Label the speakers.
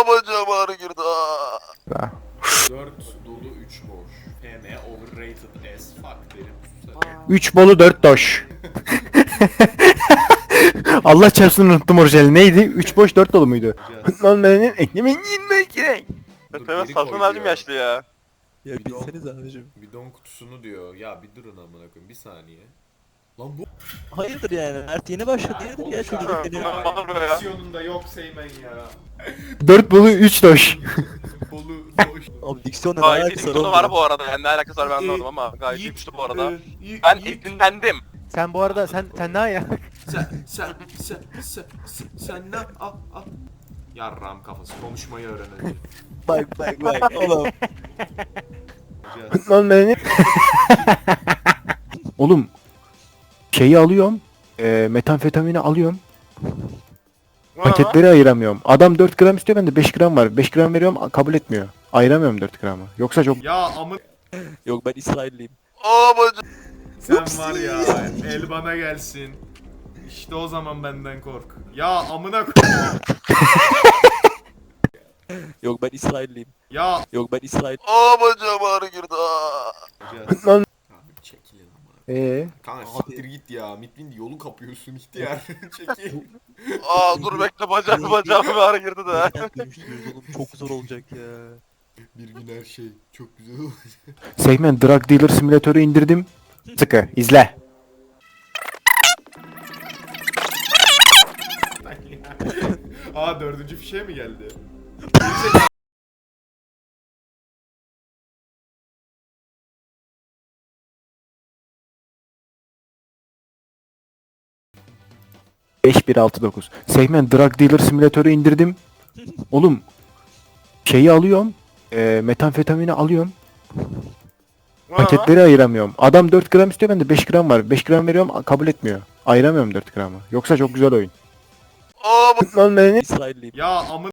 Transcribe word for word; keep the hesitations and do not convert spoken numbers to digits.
Speaker 1: Aa bacağım ağrı girdi. Aa.
Speaker 2: dört dolu üç boş. F M overrated as fuck derim.
Speaker 3: üç bolu dört doş. Allah çarpsın unuttum orijinali. Neydi? üç boş dört dolu muydu? Lan benim ekmeğimin yiyinmek gerek.
Speaker 1: Efendim satın aldım yaşlı ya.
Speaker 4: Ya
Speaker 2: Bidon.
Speaker 4: bilseniz abicim.
Speaker 2: Bidon kutusunu diyor. Ya bir durun amına koyayım bir saniye. Lan bu
Speaker 4: Hayırdır yani? Mert yeni başladı ya. Ya çocuk
Speaker 1: Ha,
Speaker 4: geliyor.
Speaker 1: bunlar var mı ya?
Speaker 2: Diksiyonunda yok Seymen ya.
Speaker 3: dört bolu üç doş.
Speaker 2: Bolu boş.
Speaker 4: Abi diksiyonla ne
Speaker 1: Gayet iyi
Speaker 4: alakası
Speaker 1: bir
Speaker 4: var
Speaker 1: konu
Speaker 4: oğlum?
Speaker 1: var bu arada. Yani ne alakası var ben anlamadım ama gayet iyi güçlü bu arada.
Speaker 2: Yiğit,
Speaker 1: Ben
Speaker 2: Yiğit,
Speaker 1: esinlendim.
Speaker 5: Sen bu arada sen sen ne ya?
Speaker 2: Sen sen sen sen sen sen ne al al. Yarram kafası konuşmayı öğren önce.
Speaker 4: Bak bak bak oğlum.
Speaker 3: Lan benim. Oğlum şeyi alıyorum. E, metamfetamini alıyorum. Paketleri ayıramıyorum. Adam dört gram istiyor, bende beş gram var. beş gram veriyorum, kabul etmiyor. Ayıramıyorum dört gramı. Yoksa çok...
Speaker 2: Ya amın
Speaker 4: Yok ben İsrailliyim.
Speaker 1: Aa bacağım.
Speaker 2: sen var ya el bana gelsin. İşte o zaman benden kork. Ya amına koy.
Speaker 4: Yok ben İsrailliyim.
Speaker 2: Ya
Speaker 4: Yok ben İsrail.
Speaker 1: Aa bacağım ağrı girdi. Aa.
Speaker 3: Lan.
Speaker 2: Abi çekilin amına.
Speaker 3: Eee?
Speaker 2: Kanka siktir git ya. Mitbin yolu kapıyorsun ihtiyar. Çekil.
Speaker 1: Aa dur bekle bacağım bacağım ağrı girdi de.
Speaker 4: Neden dönüştürüyoruz oğlum? Çok zor olacak ya.
Speaker 2: Bir gün her şey çok güzel olacak.
Speaker 3: Segment Drug Dealer Simülatörü indirdim. Sıkı izle.
Speaker 2: Aa dördüncü fişe mi geldi?
Speaker 3: beş bir altı dokuz. Segment Drug Dealer Simülatörü indirdim. Oğlum şeyi alıyorum. E, metamfetamini alıyorum. Paketleri ayıramıyorum. Adam dört gram istiyor, bende beş gram var. beş gram veriyorum, kabul etmiyor. Ayıramıyorum dört gramı. Yoksa çok güzel oyun.
Speaker 1: Aa bacağım.
Speaker 3: Lan benim.
Speaker 4: İsrailliyim.
Speaker 2: Ya amın